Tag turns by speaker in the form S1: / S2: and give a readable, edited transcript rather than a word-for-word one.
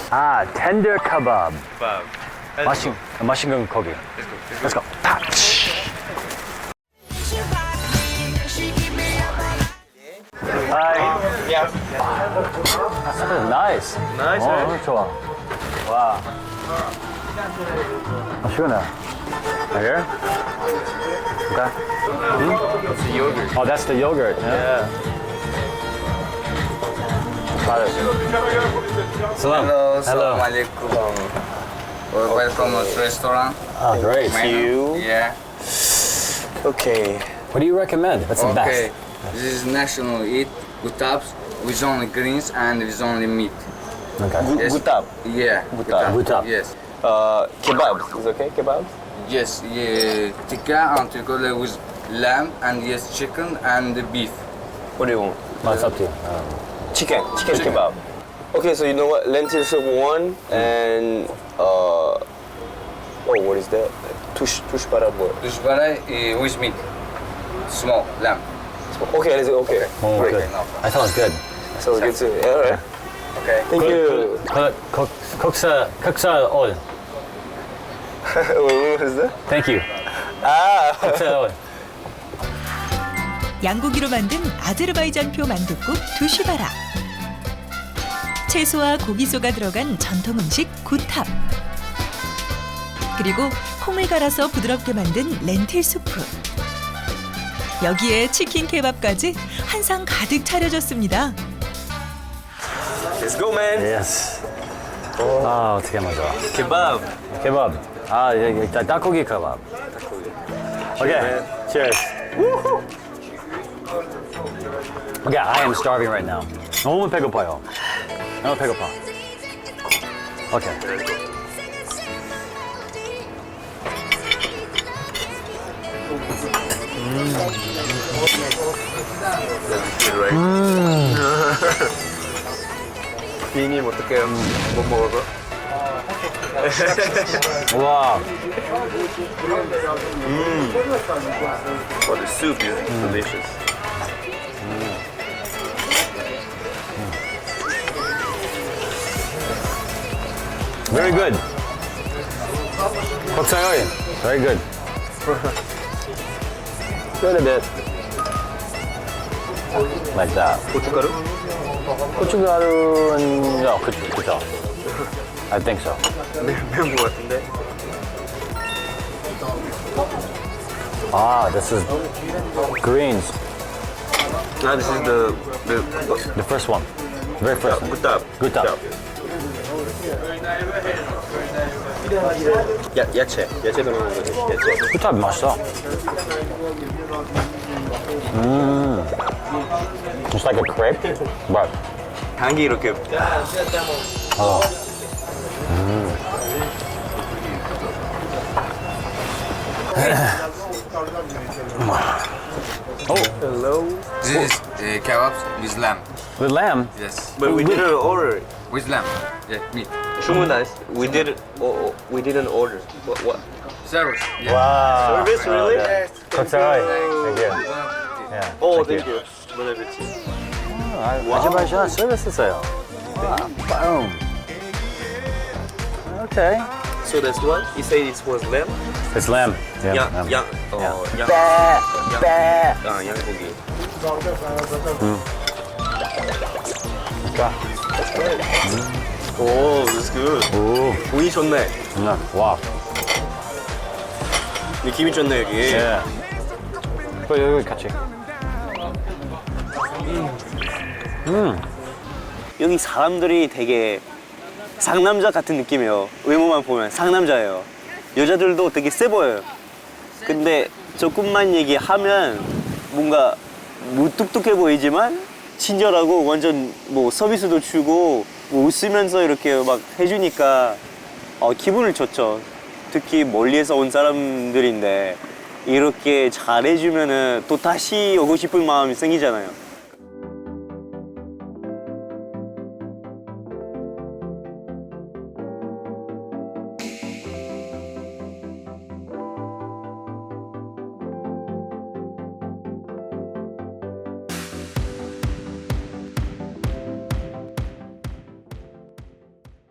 S1: 아, tender kebab.
S2: Kebab.
S1: 맛있는 고기. Let's go. 아, Hi.
S2: Yeah.
S1: That's nice.
S2: Nice, right?
S1: 너무 좋아. 와. 시원해. Here? Okay.
S2: It's the yogurt.
S1: Oh, that's the yogurt. Yeah. Try this. Salam.
S3: Hello,
S1: Hello.
S3: Assalamu alaikum. Welcome to restaurant.
S1: Oh, great.
S3: Menu.
S2: you.
S3: Yeah.
S2: Okay.
S1: What do you recommend? What's the
S3: Okay.
S1: best?
S3: This is national eat gutabs with only greens and with only meat.
S1: Okay.
S3: Yes.
S2: Gutab.
S3: Yeah.
S1: Gutab.
S3: Yes.
S2: Kebab. Is okay? Kebab?
S3: Yes. Yeah. Tikka and tikka with lamb and yes chicken and beef.
S2: What do you want?
S1: Oh, it's up to you.
S2: Chicken kebab. Okay, so you know what? Lentil soup one and oh, what is that? Tush para what?
S3: Dushbara with meat. Small lamb.
S2: Okay, let's go. Okay.
S1: Oh,
S2: Great.
S1: good. I thought it was good.
S2: So good too. Yeah, all right.
S3: Okay.
S2: Thank you.
S1: Cooksa oil.
S2: What is that?
S1: Thank you.
S2: Ah.
S1: Cooksa oil.
S4: 양고기로 만든 아제르바이잔표 만둣국 두시바라. 채소와 고기소가 들어간 전통 음식 구탑. 그리고 콩을 갈아서 부드럽게 만든 렌틸 수프. 여기에 치킨 케밥까지 한 상 가득 차려졌습니다.
S2: Let's go, man.
S1: Yes. 아, 어떻게 맞아?
S2: Kebab.
S1: 케밥. 아, 여기 닭고기 케밥. Okay. Cheers. Okay, I am starving right now. 너무 배고파요. 너무 배고파. Okay.
S2: 비님 어떡해요? 못 먹어서?
S1: 와,
S2: Oh, the soup is delicious.
S1: very good. Cooksa oil. Very good. Good a bit. Like that.
S2: 고춧가루?
S1: 고춧가루는 그쵸. I think so.
S2: 매운 것 같은데?
S1: Ah, this is greens.
S2: Ah, this is
S1: The first one. Very first one.
S2: gutab.
S1: Gutab.
S2: 야채 들어가는 거지. 야채.
S1: 구탑 맛있어. Just like a crepe, but
S2: 향이 이렇게 hello.
S3: This is kebabs with lamb.
S1: with lamb.
S3: Yes.
S2: But we didn't order.
S3: With lamb. Yeah. Meat.
S2: 주문했. We didn't order. What?
S3: Service. Yeah.
S1: Wow.
S2: Service really?
S1: Cooksa oil. Thank you. Yeah.
S2: Oh,
S1: thank
S2: thank you. 보내드리지.
S1: 아제르바이잔 서비스 있어요. Boom. Okay.
S2: So that's what? You say it was lamb?
S1: It's lamb. Yeah. lamb.
S2: 양. 양고기. 오, that's good.
S1: 오,
S2: 운이 좋네.
S1: 와.
S2: 느낌이 좋네 여기.
S1: 예. 여기 같이.
S2: 여기 사람들이 되게 상남자 같은 느낌이에요. 외모만 보면 상남자예요. 여자들도 되게 세 보여요. 근데 조금만 얘기하면 뭔가 무뚝뚝해 보이지만 친절하고 완전 뭐 서비스도 주고 뭐 웃으면서 이렇게 막 해주니까 기분을 좋죠. 특히 멀리에서 온 사람들인데 이렇게 잘해주면은 또 다시 오고 싶은 마음이 생기잖아요.